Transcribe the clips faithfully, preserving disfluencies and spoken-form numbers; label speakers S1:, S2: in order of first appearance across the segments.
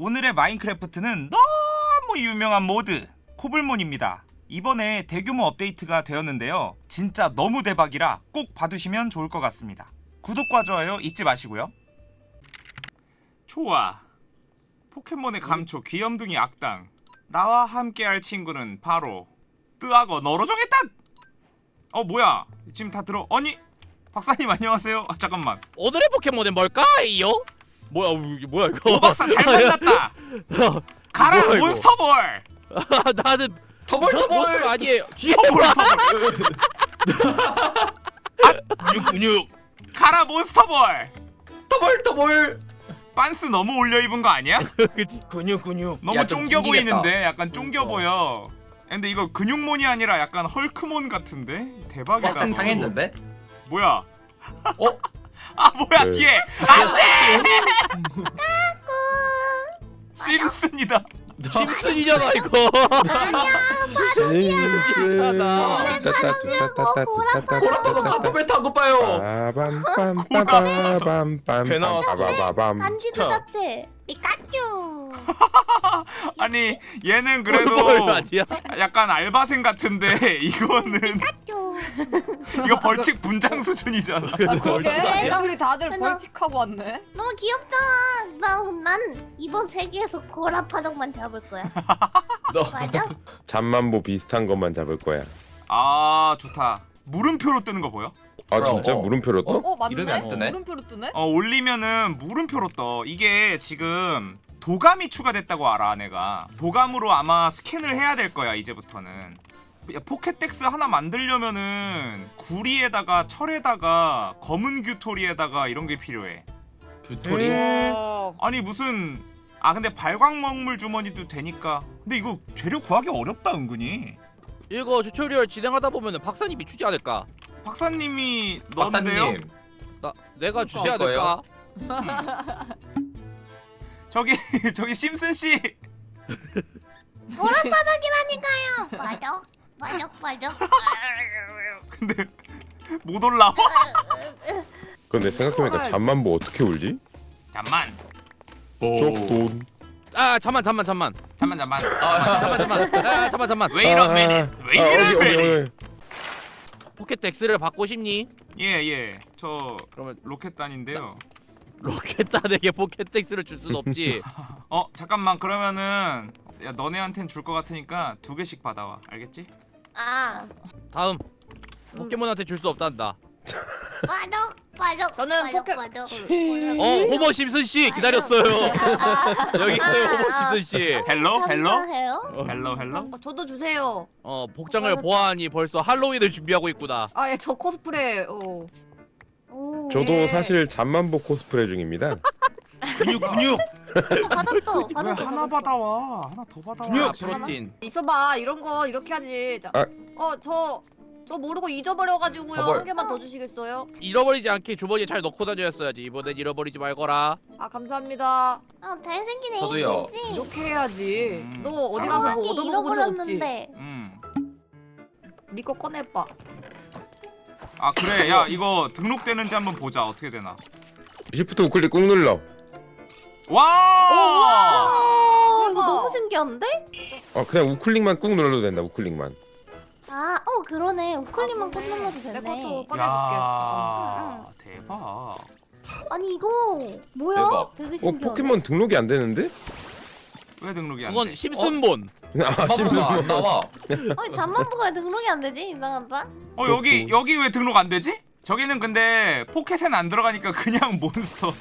S1: 오늘의 마인크래프트는 너무 유명한 모드 코블몬입니다. 이번에 대규모 업데이트가 되었는데요. 진짜 너무 대박이라 꼭 봐두시면 좋을 것 같습니다. 구독과 좋아요 잊지 마시고요. 좋아. 포켓몬의 감초 귀염둥이 악당. 나와 함께할 친구는 바로 뜨하고 너로 정했다. 어 뭐야 지금 다 들어. 아니 박사님 안녕하세요. 아, 잠깐만.
S2: 오늘의 포켓몬은 뭘까요? 뭐야 이게 뭐야 이거?
S1: 오 박사 잘 만났다. 가라
S2: 뭐야, 이거?
S1: 몬스터볼.
S2: 나는
S3: 터벌
S2: 저
S3: 터벌
S2: 몬스터가 아니에요. 뒤에
S1: 터볼
S2: 뭐야?
S1: 터볼.
S2: 근육 근육.
S1: 가라 몬스터볼.
S3: 터벌 터벌
S1: 빤스 너무 올려 입은 거 아니야?
S3: 근육 근육
S1: 너무
S3: 야, 좀
S1: 쫑겨
S3: 찡기겠다.
S1: 보이는데 약간 쫑겨 보여. 근데 이거 근육몬이 아니라 약간 헐크몬 같은데? 대박이다.
S3: 살짝 상했는데?
S1: 뭐야?
S3: 어?
S1: 아 뭐야
S4: 네.
S1: 뒤에 안돼! 심슨이다.
S2: 심슨이잖아 이거.
S3: 고라파도 카토벨 타고 봐요. 배 나왔어.
S4: 간지도 자체 피카츄.
S1: 아니 얘는
S2: 뭘
S1: 그래도
S2: 아니야?
S1: 약간 알바생 같은데 이거는
S4: 피카츄.
S1: 이거 벌칙 분장 수준이잖아.
S5: 그러게
S4: 아니야?
S5: 애들이 다들
S4: 하나.
S5: 벌칙하고 왔네.
S4: 너무 귀엽잖아. 나, 난 이번 세계에서 고라파덕만 잡을 거야.
S3: 너
S4: 맞아?
S6: 잠만보 비슷한 것만 잡을 거야.
S1: 아 좋다. 물음표로 뜨는 거 보여?
S6: 아
S3: 그럼,
S6: 진짜
S3: 어.
S6: 물음표로 떠?
S5: 어 맞네.
S3: 이름이 안 뜨네?
S5: 물음표로 뜨네.
S1: 어 올리면은 물음표로 떠. 이게 지금 도감이 추가됐다고 알아 내가. 도감으로 아마 스캔을 해야 될 거야 이제부터는. 야, 포켓덱스 하나 만들려면은 구리에다가 철에다가 검은 규토리에다가 이런 게 필요해.
S3: 주토리
S5: 어.
S1: 아니 무슨 아 근데 발광먹물 주머니도 되니까. 근데 이거 재료 구하기 어렵다 은근히.
S2: 이거 튜토리얼 진행하다 보면은 박사님이 주지 않을까?
S1: 박사님이 넣었는데요?
S3: 박사님
S2: 나 내가 주지
S3: 줄
S2: 않을까?
S1: 저기 저기 심슨 씨.
S4: 고라파덕이라니까요. 맞아. 맞아 맞아.
S1: 근데 못 올라와.
S6: 근데 생각해보니까 잠만보 어떻게 울지?
S1: 잠만.
S6: 쪽돈.
S2: 아 잠만 잠만 잠만.
S1: 잠만 잠만.
S2: 아 잠만 잠만. 아 잠만 잠만.
S1: Wait a minute.
S6: 아,
S1: Wait a minute.
S2: 포켓덱스를 받고 싶니?
S1: 예 예. 저
S2: 그러면
S1: 로켓단인데요.
S2: 로켓단에게 포켓덱스를 줄 순 없지.
S1: 어 잠깐만 그러면은 야 너네한텐 줄 것 같으니까 두 개씩 받아와. 알겠지?
S4: 아
S2: 다음 포켓몬한테 줄 수 없단다.
S4: 파덕 파덕.
S5: 저는 포켓-
S4: 파덕.
S2: 어 호머 심슨 씨 기다렸어요. 여기 있어요 호머 심슨 씨.
S1: 헬로 헬로
S4: 감사해요.
S1: 헬로 헬로.
S5: 어, 저도 주세요.
S2: 어 복장을 보아하니 벌써 할로윈을 준비하고 있구나.
S5: 아예 저 코스프레. 어.
S4: 오.
S6: 저도
S5: 예.
S6: 사실 잠만보 코스프레 중입니다.
S2: 근육 근육.
S4: 받았어.
S1: 왜
S4: 받았어.
S1: 하나 받아와? 하나 더 받아와.
S2: 근육
S1: 아,
S2: 프로틴.
S5: 있어봐 이런 거 이렇게 하지. 자,
S6: 아.
S5: 어저 저 모르고 잊어버려가지고요.
S3: 터벌.
S5: 한 개만 더 주시겠어요?
S2: 잃어버리지 않게 주머니에 잘 넣고 다녔어야지. 이번엔 잃어버리지 말거라.
S5: 아 감사합니다.
S4: 어 잘생긴
S3: 저도요.
S4: 에이지.
S5: 이렇게 해야지.
S1: 음.
S5: 너 어디 가서 뭐 얻어먹어본 적 없지?
S4: 잃어버렸는데.
S1: 음.
S5: 네 거 꺼내봐.
S1: 아 그래 야 이거 등록되는지 한번 보자. 어떻게 되나.
S6: 시프트 우클릭 꾹 눌러.
S1: 와!
S4: 아, 이거
S5: 대박.
S4: 너무 신기한데?
S6: 어 그냥 우클릭만 꾹 눌러도 된다. 우클릭만.
S4: 아, 어 그러네. 우클릭만 꾹 눌러도
S5: 내
S4: 되네.
S5: 것도 꺼내볼게.
S1: 야 대박.
S4: 아니 이거 뭐야?
S3: 대박.
S4: 되게
S6: 어
S4: 신기하네.
S6: 포켓몬 등록이 안 되는데?
S1: 왜 등록이 안 돼?
S2: 그건 심슨본.
S6: 아
S3: 심슨
S6: 심슨.
S3: 안 나와.
S4: 아니 잠만보가 왜 등록이 안 되지? 이상하다.
S1: 어 여기 여기 왜 등록 안 되지? 저기는 근데 포켓엔 안 들어가니까 그냥 몬스터.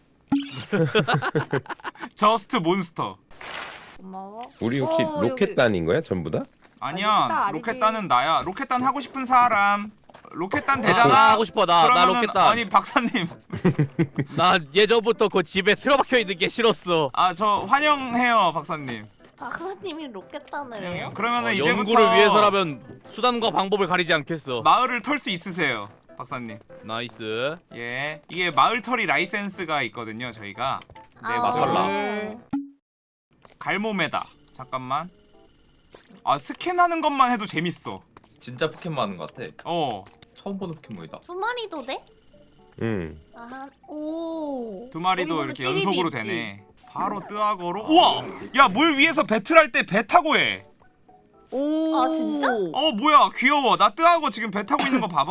S1: 저스트 몬스터.
S5: 고마워.
S6: 우리 혹시
S5: 어, 여기.
S6: 로켓단인 거야 전부 다?
S1: 아니야.
S5: 아니지.
S1: 로켓단은 나야. 로켓단 하고 싶은 사람. 로켓단
S2: 나
S1: 되잖아.
S2: 하고 싶어 나 나
S1: 그러면은
S2: 로켓단.
S1: 아니 박사님.
S2: 나 예전부터 그 집에 틀어박혀 있는 게 싫었어.
S1: 아 저 환영해요 박사님.
S4: 박사님이 로켓단을
S1: 환영해요.
S4: 해요?
S1: 그러면은
S2: 어,
S1: 이제부터
S2: 연구를 위해서라면 수단과 방법을 가리지 않겠어.
S1: 마을을 털 수 있으세요 박사님.
S2: 나이스.
S1: 예. 이게 마을 털이 라이센스가 있거든요 저희가. 네
S4: 아.
S1: 마을. 갈모메다. 잠깐만. 아 스캔하는 것만 해도 재밌어.
S3: 진짜 포켓몬 하는 것 같아.
S1: 어.
S3: 처음 보는 포켓몬이다.
S4: 두 마리도 돼?
S6: 응.
S4: 아, 오.
S1: 두 마리도
S5: 거기 보면
S1: 이렇게
S5: 띠리비
S1: 연속으로
S5: 있지.
S1: 되네. 바로 뜨악어로. 우와! 야, 물 위에서 배틀할 때 배 타고 해.
S5: 오.
S4: 아, 진짜?
S1: 어, 뭐야? 귀여워. 나 뜨악어 지금 배 타고 있는 거 봐봐.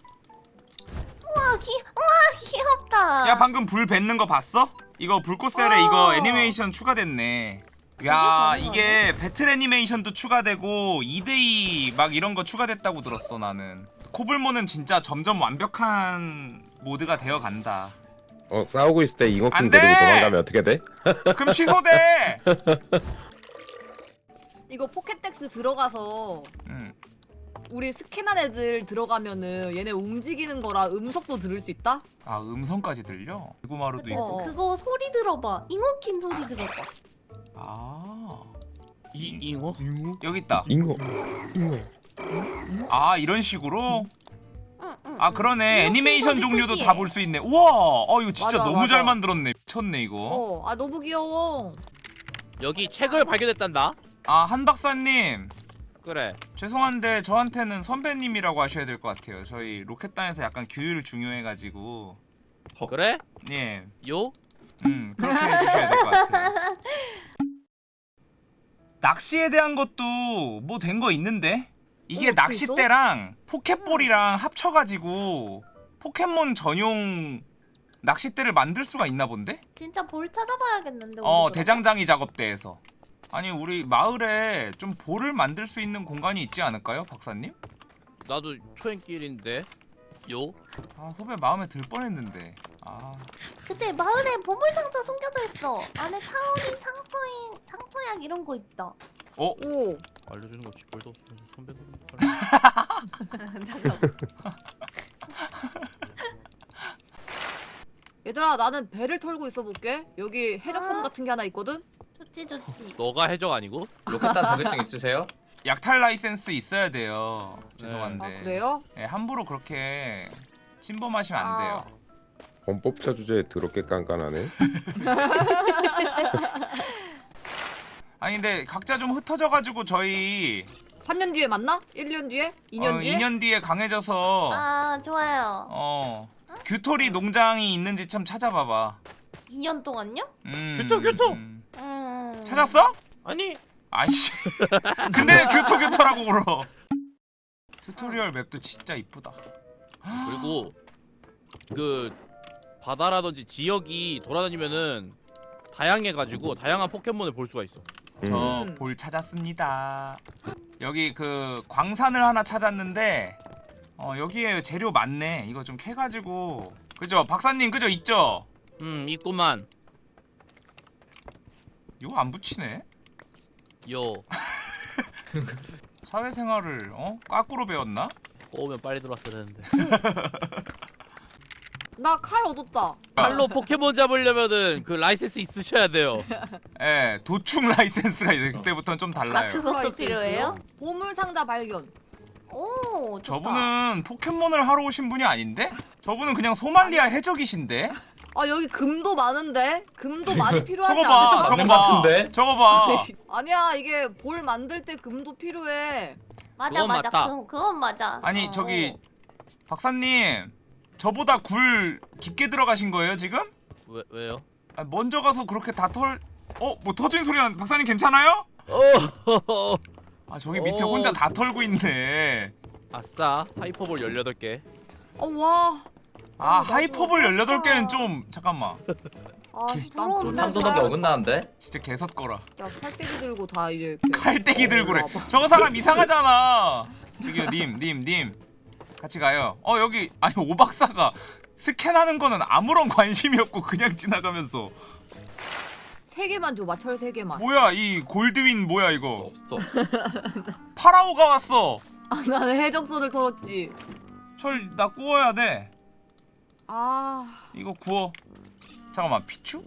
S4: 우와 귀 우와 귀엽다.
S1: 야, 방금 불 뱉는 거 봤어? 이거 불꽃셀에
S4: 어.
S1: 이거 애니메이션 추가됐네. 야, 이게 배틀 애니메이션도 추가되고 이 대이 막 이런 거 추가됐다고 들었어 나는. 코블모는 진짜 점점 완벽한 모드가 되어 간다.
S6: 어 싸우고 있을 때
S1: 안
S6: 잉어킹
S1: 돼!
S6: 데리고 도망가면 어떻게 돼?
S1: 그럼 취소돼.
S5: 이거 포켓텍스 들어가서
S1: 음.
S5: 우리 스캔한 애들 들어가면은 얘네 움직이는 거라 음성도 들을 수 있다?
S1: 아, 음성까지 들려? 대구마루도
S4: 그때
S1: 있고.
S5: 어.
S4: 그거 소리 들어봐. 잉어킨 소리 들어봐.
S1: 아,
S2: 이 잉어?
S1: 여기 있다.
S6: 잉어 잉어
S1: 아, 이런 식으로?
S4: 응, 응,
S1: 아,
S4: 응.
S1: 그러네.
S4: 잉어킨
S1: 애니메이션
S4: 소리
S1: 종류도
S4: 특이해.
S1: 다 볼 수 있네. 우와, 어 이거 진짜
S5: 맞아,
S1: 너무
S5: 맞아.
S1: 잘 만들었네. 미쳤네 이거.
S5: 어, 아 너무 귀여워.
S2: 여기 책을 발견했단다.
S1: 아, 한 박사님.
S2: 그래.
S1: 죄송한데 저한테는 선배님이라고 하셔야 될 것 같아요. 저희 로켓단에서 약간 규율 중요해가지고.
S2: 그래?
S1: 예,
S2: 요?
S1: 음 그렇게 해주셔야 될 것 같아요. 낚시에 대한 것도 뭐 된 거 있는데? 이게
S5: 어,
S1: 낚싯대랑 포켓볼이랑 합쳐가지고 포켓몬 전용 낚싯대를 만들 수가 있나 본데?
S4: 진짜 볼 찾아봐야겠는데.
S1: 어,
S4: 우리도.
S1: 대장장이 작업대에서. 아니, 우리 마을에 좀 볼을 만들 수 있는 공간이 있지 않을까요, 박사님?
S2: 나도 초행길인데. 요?
S1: 아, 후배 마음에 들 뻔했는데. 아,
S4: 그때 마을에 보물 상자 숨겨져 있어. 안에 타오린 상처인 상처약 이런 거 있다.
S1: 어?
S5: 오.
S2: 알려주는 거 쥐뿔도 없으면서 선배가.
S5: 잠깐. 얘들아 나는 배를 털고 있어 볼게. 여기 해적선
S4: 어?
S5: 같은 게 하나 있거든.
S4: 좋지 좋지.
S2: 너가 해적 아니고?
S3: 로켓단 자격증 있으세요?
S1: 약탈 라이센스 있어야 돼요. 죄송한데.
S5: 아 그래요?
S1: 예, 함부로 그렇게 침범하시면 안 돼요.
S6: 범법자 주제에 더럽게 깐깐하네.
S1: 아니, 근데 각자 좀 흩어져가지고 저희
S5: 삼 년 뒤에 만나? 일 년 뒤에? 이 년
S1: 어,
S5: 뒤에?
S1: 이 년 뒤에 강해져서
S4: 아 좋아요.
S1: 어 규토리 농장이 있는지 참 찾아봐봐.
S4: 이 년 동안요?
S1: 음,
S2: 규토, 규토!
S1: 음.
S4: 음.
S1: 찾았어?
S2: 아니.
S1: 아이씨. 근데 왜 규토 규토라고 불어? 튜토리얼 맵도 진짜 이쁘다.
S2: 그리고 그 바다라든지 지역이 돌아다니면은 다양해가지고 다양한 포켓몬을 볼 수가 있어.
S1: 저
S5: 음.
S1: 볼 찾았습니다. 여기 그 광산을 하나 찾았는데 어 여기에 재료 많네. 이거 좀 캐가지고 그죠 박사님 그죠 있죠?
S2: 음 있구만.
S1: 이거 안 붙이네.
S2: 요.
S1: 사회생활을 어 까꾸로 배웠나?
S2: 오면 빨리 들어왔어야 되는데.
S5: 나 칼 얻었다.
S2: 칼로 포켓몬 잡으려면은 그 라이센스 있으셔야 돼요.
S1: 예, 도축 라이센스가 이제 그때부터는 좀
S4: 아
S1: 달라요.
S4: 그것도
S5: 라이센스요?
S4: 필요해요?
S5: 보물 상자 발견.
S4: 오 좋다.
S1: 저분은 포켓몬을 하러 오신 분이 아닌데? 저분은 그냥 소말리아 해적이신데?
S5: 아 여기 금도 많은데? 금도 많이 필요하지
S1: 저거 봐,
S5: 않을까?
S1: 저거
S3: 맞는
S1: 봐,
S3: 같은데?
S1: 저거 봐.
S5: 아니야 이게 볼 만들 때 금도 필요해.
S4: 맞아
S2: 그건
S4: 맞아.
S2: 맞다.
S4: 그, 그건 맞아.
S1: 아니
S4: 어.
S1: 저기 박사님, 저보다 굴 깊게 들어가신 거예요 지금?
S2: 왜 왜요?
S1: 아, 먼저 가서 그렇게 다 털... 어? 뭐 터진 소리 나... 박사님 괜찮아요?
S2: 어.
S1: 아 저기 밑에
S2: 어.
S1: 혼자 다 털고 있네.
S2: 아싸 하이퍼볼 열여덟 개.
S5: 어 와.
S1: 아
S5: 나도
S1: 하이퍼볼 열여덟 개는
S4: 그렇다.
S1: 좀... 잠깐만
S5: 아
S1: 개-
S5: 난
S4: 더러운
S5: 돈
S3: 참도덕이 어긋나는데?
S1: 진짜 개섰거라.
S5: 야 칼때기 들고 다 이렇게.
S1: 칼때기
S5: 어,
S1: 들고 그래.
S5: 와봐.
S1: 저거 사람 이상하잖아. 저기요 님 님 님 같이 가요. 어 여기 아니 오 박사가 스캔하는 거는 아무런 관심이 없고 그냥 지나가면서
S5: 세 개만 줘 마철 세 개만.
S1: 뭐야 이 골드윈 뭐야 이거.
S3: 없어.
S1: 파라오가 왔어.
S5: 아 나는 해적선을 털었지.
S1: 철 나 구워야 돼.
S5: 아
S1: 이거 구워. 잠깐만 피추?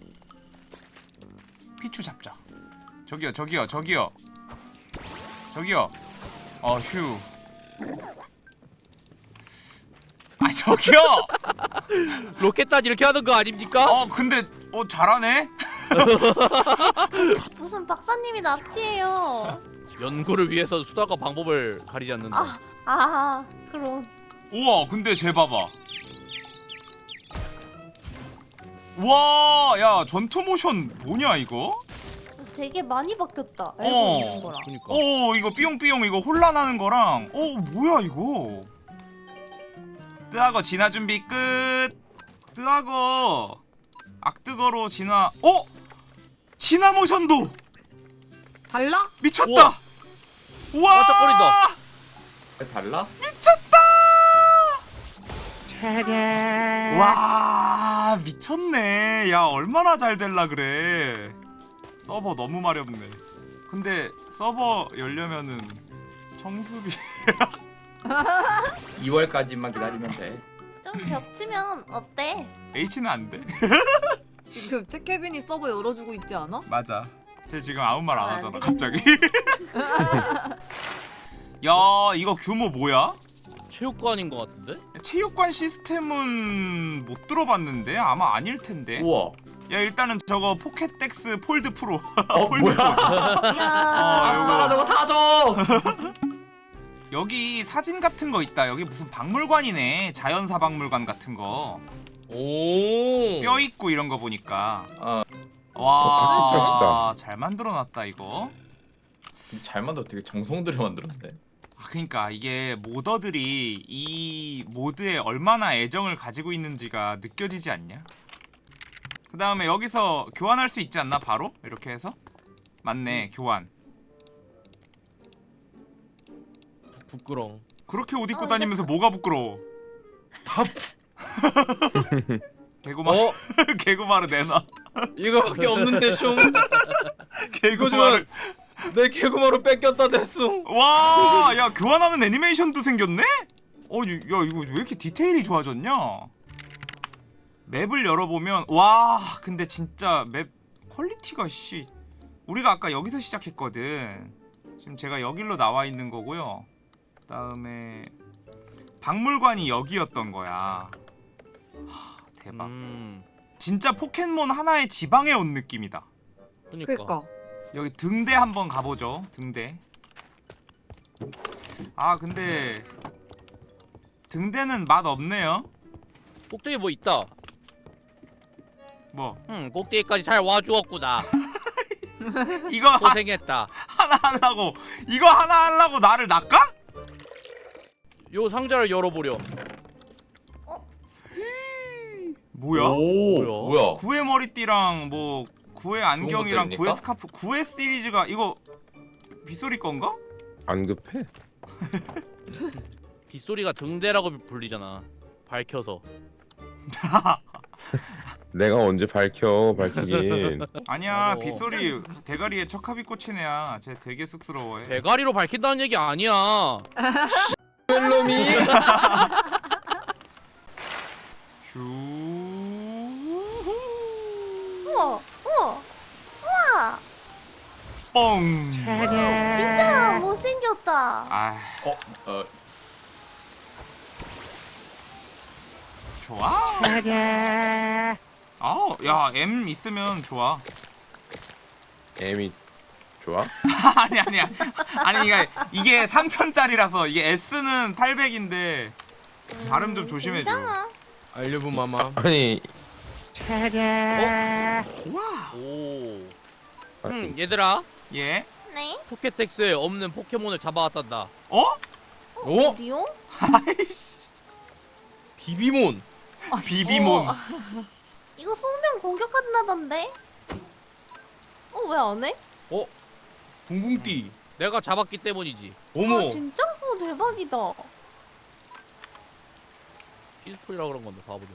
S1: 피추 잡자. 저기요 저기요 저기요 저기요. 어휴. 아 저기요.
S2: 로켓단 이렇게 하는 거 아닙니까?
S1: 어 근데 어 잘하네.
S4: 무슨 박사님이 납치해요.
S2: 연구를 위해서 수단과 방법을 가리지 않는다.
S4: 아, 아 그럼.
S1: 우와 근데 쟤 봐봐. 와, 야 전투 모션 뭐냐 이거?
S4: 되게 많이 바뀌었다. 알고
S1: 어.
S4: 있는 거랑.
S2: 그니까.
S1: 어 이거 삐용삐용 이거 혼란하는 거랑 어 뭐야 이거? 뜨악어 진화 준비 끝. 뜨악어 악뜨거로 진화. 어? 진화 모션도
S5: 달라?
S1: 미쳤다.
S2: 우와.
S1: 우와.
S2: 반짝거린다.
S3: 달라?
S1: 미쳤다. 와 미쳤네. 야 얼마나 잘 될라 그래. 서버 너무 마렵네. 근데 서버 열려면은 청수비
S3: 이월까지만 기다리면 돼.
S4: 좀 겹치면 어때?
S1: H는 안 돼.
S5: 지금 최케빈이 서버 열어주고 있지 않아?
S1: 맞아. 쟤 지금 아무 말 안
S4: 아,
S1: 하잖아
S4: 안
S1: 갑자기. 야 이거 규모 뭐야?
S2: 체육관인 것 같은데?
S1: 체육관 시스템은 못 들어봤는데 아마 아닐 텐데.
S3: 우와.
S1: 야 일단은 저거 포켓덱스 폴드 프로.
S3: 어
S1: 폴드
S3: 뭐야?
S1: 프로.
S4: 야.
S1: 아,
S3: 아빠가 저거 사줘.
S1: 여기 사진 같은 거 있다. 여기 무슨 박물관이네. 자연사 박물관 같은 거.
S2: 오.
S1: 뼈 있고 이런 거 보니까.
S3: 아
S1: 와,
S6: 아,
S1: 잘 만들어놨다 이거.
S3: 잘 만들어. 되게 정성 들여 만들었네.
S1: 아, 그러니까 이게 모더들이 이 모드에 얼마나 애정을 가지고 있는지가 느껴지지 않냐? 그 다음에 여기서 교환할 수 있지 않나 바로? 이렇게 해서? 맞네 교환.
S2: 부끄렁.
S1: 그렇게 옷 입고
S4: 어,
S1: 다니면서 뭐가 부끄러워? 개구마
S2: 어?
S1: 개구마를 내놔.
S2: 이거밖에 없는데 슝.
S1: 개구마를.
S2: 내 개구마로 뺏겼다 됐숭.
S1: 와, 야 교환하는 애니메이션도 생겼네? 어, 야 이거 왜 이렇게 디테일이 좋아졌냐? 맵을 열어보면 와, 근데 진짜 맵 퀄리티가 씨. 우리가 아까 여기서 시작했거든. 지금 제가 여기로 나와 있는 거고요. 그다음에 박물관이 여기였던 거야. 하, 대박.
S2: 음.
S1: 진짜 포켓몬 하나의 지방에 온 느낌이다.
S2: 그니까.
S5: 그니까.
S1: 여기 등대 한번 가보죠. 등대. 아 근데 등대는 맛 없네요.
S2: 꼭대기 뭐 있다.
S1: 뭐
S2: 응, 꼭대기까지 잘 와주었구나.
S1: 이거 하,
S2: 고생했다.
S1: 하나 하려고 이거 하나 하려고 나를 낚아?
S2: 요 상자를 열어보려.
S1: 뭐야?
S3: 오
S2: 뭐야?
S3: 뭐야?
S1: 구의 머리띠랑 뭐 구의 안경이랑
S3: 것들입니까?
S1: 구의 스카프 구의 시리즈가 이거 빗소리 건가?
S6: 안 급해?
S2: 빗소리가 등대라고 불리잖아. 밝혀서.
S6: 내가 언제 밝혀 밝히긴.
S1: 아니야
S2: 어.
S1: 빗소리 대가리에 척합이 꽂힌 애야. 쟤 되게 쑥스러워해.
S2: 대가리로 밝힌다는 얘기 아니야.
S6: 놈이.
S1: 슈.
S4: 우와, 우와, 우와.
S1: 뻥.
S4: 진짜 못생겼다.
S1: 아
S3: 어? 어
S1: 좋아. 아, 야 M 있으면 좋아.
S6: M이 좋아?
S1: 아니 아니야. 아니 이게 이게 삼천짜리라서 이게 S는 팔백인데 발음 좀 조심해줘.
S4: 괜찮아.
S2: 알려부 마마.
S6: 아니.
S1: 와.
S2: 오. 응, 얘들아.
S1: 예.
S4: 네.
S2: 포켓텍스에 없는 포켓몬을 잡아왔단다.
S1: 어?
S2: 어?
S4: 어디요?
S1: 아이씨.
S2: 비비몬.
S1: 비비몬.
S4: 어. 이거 쏘면 공격한다던데? 어, 왜 안 해?
S2: 어? 붕붕띠. 내가 잡았기 때문이지.
S4: 아, 진짜? 어, 대박이다.
S2: 피스풀이라 그런 건데 바보들.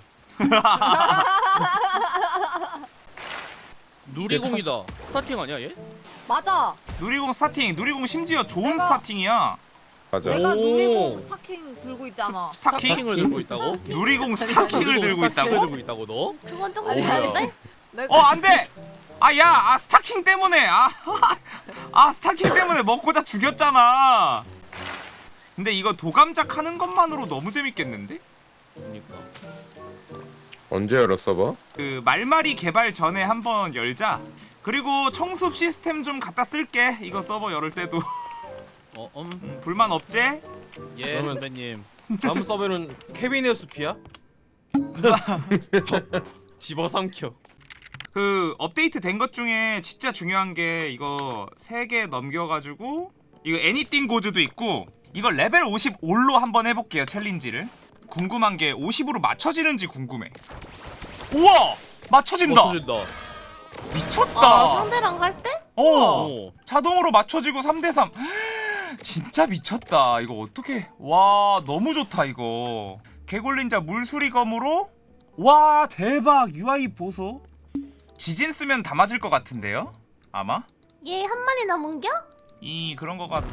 S2: 누리공이다. 스타팅 아니야 얘?
S5: 맞아.
S1: 누리공 스타팅. 누리공 심지어 좋은
S5: 내가-
S1: 스타팅이야.
S6: 맞아.
S5: 내가
S2: 오.
S5: 누리공 스타킹 들고 있잖아.
S1: 스, 스타킹?
S2: 스타킹을 들고 있다고?
S1: 누리공 스타킹을
S2: 누리공
S1: 들고
S2: 스타킹을
S1: 있다고?
S2: 들고 있다고 너?
S4: 그건 조금
S2: 어우야.
S4: 다른데?
S5: 내가
S1: 어 안돼. 아야, 아 스타킹 때문에 아, 아 스타킹 때문에 먹고자 죽였잖아. 근데 이거 도감작 하는 것만으로 너무 재밌겠는데?
S2: 그러니까.
S6: 언제 열었어 봐?
S1: 그 말말이 개발 전에 한번 열자. 그리고 청습 시스템 좀 갖다 쓸게. 이거 서버 열을 때도.
S2: 어, 음.
S1: 음, 불만 없제?
S2: 예,
S7: 그러면-
S2: 선배님.
S7: 다음 서버는 케빈의 숲이야?
S2: 집어삼켜.
S1: 그 업데이트 된 것 중에 진짜 중요한 게 이거 세 개 넘겨가지고 이거 애니띵 고즈도 있고 이거 레벨 오십오로 한번 해볼게요 챌린지를. 궁금한 게 오십으로 맞춰지는지 궁금해. 우와 맞춰진다.
S2: 맞춰준다.
S1: 미쳤다.
S4: 아, 상대랑 할 때?
S1: 어
S2: 어.
S1: 자동으로 맞춰지고 삼 대 삼. 진짜 미쳤다. 이거 어떻게? 와 너무 좋다 이거. 개굴린자 물수리검으로 와 대박. 유아이 보소. 지진 쓰면 다 맞을 것 같은데요? 아마?
S4: 얘 한 마리 남은겨?
S1: 이 그런 것 같아.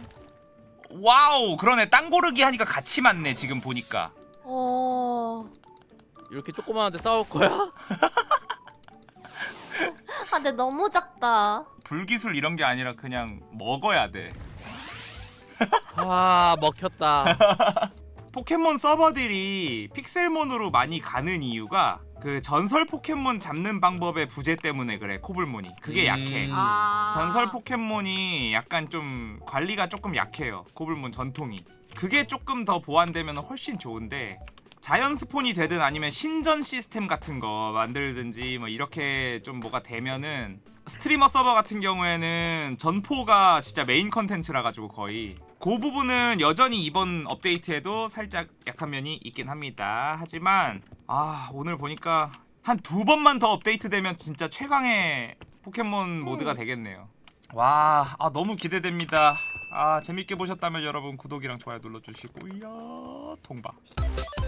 S1: 와우 그러네. 땅 고르기 하니까 같이 맞네 지금 보니까.
S4: 어.
S2: 이렇게 조그만한데 싸울 거야?
S4: 아, 근데 너무 작다.
S1: 불기술 이런 게 아니라 그냥 먹어야 돼.
S2: 아 먹혔다.
S1: 포켓몬 서버들이 픽셀몬으로 많이 가는 이유가 그 전설 포켓몬 잡는 방법의 부재 때문에 그래. 코블몬이 그게
S2: 음.
S1: 약해.
S5: 아.
S1: 전설 포켓몬이 약간 좀 관리가 조금 약해요. 코블몬 전통이. 그게 조금 더 보완되면 훨씬 좋은데 자연 스폰이 되든 아니면 신전 시스템 같은 거 만들든지 뭐 이렇게 좀 뭐가 되면은 스트리머 서버 같은 경우에는 전포가 진짜 메인 컨텐츠라 가지고 거의 그 부분은 여전히 이번 업데이트에도 살짝 약한 면이 있긴 합니다. 하지만 아 오늘 보니까 한 두 번만 더 업데이트 되면 진짜 최강의 포켓몬 모드가 되겠네요. 와, 아 너무 기대됩니다. 아 재밌게 보셨다면 여러분 구독이랑 좋아요 눌러주시고 이야 통바.